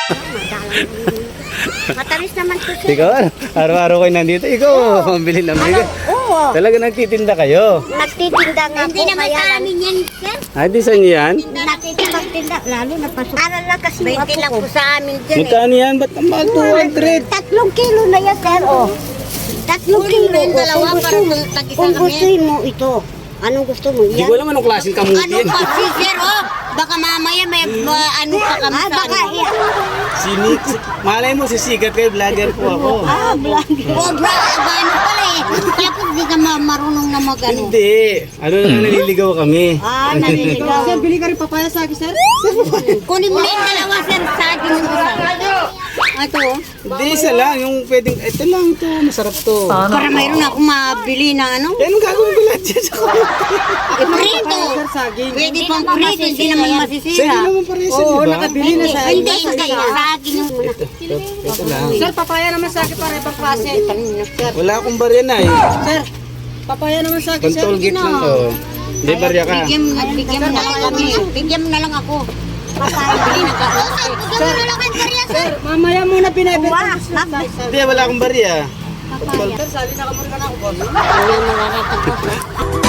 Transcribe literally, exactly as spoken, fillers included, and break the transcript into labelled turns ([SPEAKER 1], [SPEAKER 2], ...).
[SPEAKER 1] Matamis naman po siya.
[SPEAKER 2] Ikaw, araw-araw kayo nandito. Ikaw, pambili ng bigas.
[SPEAKER 1] Oo.
[SPEAKER 2] Talaga nagtitinda kayo.
[SPEAKER 1] Nagtitinda nga po.
[SPEAKER 3] Hindi naman
[SPEAKER 1] kaya
[SPEAKER 3] sa
[SPEAKER 1] lang-
[SPEAKER 3] amin yan, sir.
[SPEAKER 2] Ay, di sa inyo yan?
[SPEAKER 1] Nagtitinda, lalo na pasok. Aral lang kasi yung
[SPEAKER 3] twenty
[SPEAKER 1] apo
[SPEAKER 3] lang
[SPEAKER 1] ko.
[SPEAKER 3] po sa amin dyan eh.
[SPEAKER 2] Magkano yan? Ba't ang mahal? two hundred?
[SPEAKER 1] Tatlong kilo na yan, sir. Oh. Tatlong
[SPEAKER 3] Kunin
[SPEAKER 1] kilo.
[SPEAKER 3] mo yung
[SPEAKER 1] Oh.
[SPEAKER 3] dalawa
[SPEAKER 1] Kung
[SPEAKER 3] para
[SPEAKER 1] gusto mo,
[SPEAKER 3] tag-isa
[SPEAKER 1] kung
[SPEAKER 3] kami.
[SPEAKER 1] gusto mo ito, anong gusto mo?
[SPEAKER 2] Hindi
[SPEAKER 1] Yan.
[SPEAKER 2] ko alam anong klaseng kamuti
[SPEAKER 3] Ano
[SPEAKER 2] yan.
[SPEAKER 3] pa si sir, oh? Baka mamaya may ma- ano pa kami
[SPEAKER 1] Ah,
[SPEAKER 3] sa
[SPEAKER 1] baka
[SPEAKER 3] ano.
[SPEAKER 1] yan.
[SPEAKER 2] Sinik. Malay mo, sisigat kayo. Vlogger po ako.
[SPEAKER 1] Ah, vlog.
[SPEAKER 3] Oh, bra, ba, ano pala eh. Kaya po hindi ka ma- marunong na mag ano.
[SPEAKER 2] Hindi. Ano lang, naliligaw kami.
[SPEAKER 1] Ah, naliligaw.
[SPEAKER 4] Sir, bili ka rin papaya sa akin, sir.
[SPEAKER 3] Kunin mo na yung dalawa, sir, sa akin yung isa. Ito, oh.
[SPEAKER 2] Hindi, isa lang. Yung pwedeng, ito lang ito. Masarap to.
[SPEAKER 3] Para mayroon akong mabili na ano.
[SPEAKER 2] Yan ang gagawin ko lahat dyan sa kamuti.
[SPEAKER 3] Eh, prito.
[SPEAKER 4] Sir, saging.
[SPEAKER 3] Pwede pang prito, hindi naman
[SPEAKER 2] Sa
[SPEAKER 3] masisira.
[SPEAKER 2] inyo naman pares,
[SPEAKER 4] Oo,
[SPEAKER 2] di ba?
[SPEAKER 4] nakabili na sa
[SPEAKER 3] Hindi, hindi. Sa akin yung
[SPEAKER 2] Ito, ito, ito lang.
[SPEAKER 4] Sir, papaya naman sa akin para ibang klase. Sir,
[SPEAKER 2] Wala akong barya na eh.
[SPEAKER 4] sir, papaya naman sa akin, sir.
[SPEAKER 2] Control gate lang to. Hindi barya ka.
[SPEAKER 3] Bigyan, bigyan mo na lang kami. Bigyan mo na lang ako. Bili na ka. Bigyan mo na lang kayo, sir.
[SPEAKER 4] Sir, mamaya muna pinabenta.
[SPEAKER 1] Wah,
[SPEAKER 2] Hindi, wala akong barya.
[SPEAKER 4] Sir, sabi na kamuri ka na ako, boss.
[SPEAKER 3] Ano yung mga natakot?